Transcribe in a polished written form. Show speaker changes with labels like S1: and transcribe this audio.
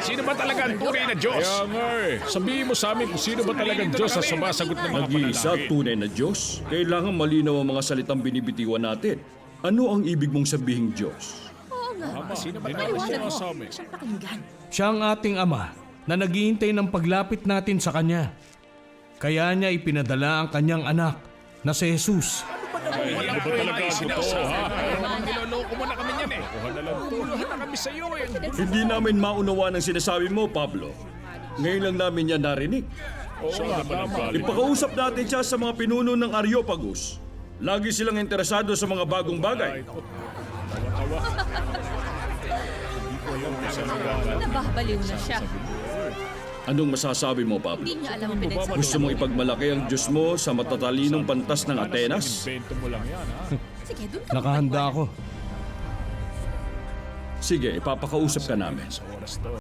S1: Sino ba talaga ang tunay na Diyos?
S2: Kaya nga sabihin mo sa amin kung sino ba talagang Diyos sa sumasagot ng mga
S3: Nag-iisa
S2: panalangin.
S3: tunay na Diyos. Kailangan malinaw ang mga salitang binibitiwan natin. Ano ang ibig mong sabihing Diyos?
S4: Oo nga.
S2: Sino ba
S4: Paliwanag
S2: talaga
S4: mo.
S2: sa amin?
S4: Siyang pakinggan.
S5: Siya ang ating Ama na naghihintay ng paglapit natin sa Kanya. Kaya niya ipinadala ang Kanyang anak na si Jesus.
S2: Wala ba talaga ang totoo, ha?
S1: Niloloko mo na kami niyan eh.
S2: Kuha na lang to.
S1: Tuluhan na kami sa iyo eh.
S3: Hindi namin maunawa ng sinasabi mo, Pablo. Ngayon lang namin yan narinig.
S2: Oo nga, tama.
S3: Ipakausap natin siya sa mga pinuno ng Areopagus. Lagi silang interesado sa mga bagong bagay.
S4: Nababaliw na siya.
S3: Anong masasabi mo, Pablo?
S4: Hindi niya alam ang pinagsasabi.
S3: Gusto mong ipagmalaki ang Diyos mo sa matatalinong pantas ng Atenas?
S2: Invento mo lang yan, ha?
S4: Sige, doon ka
S5: Nakahanda
S4: magpaliwanag.
S5: ako.
S3: Sige, ipapakausap ka namin.
S2: Sa oras to.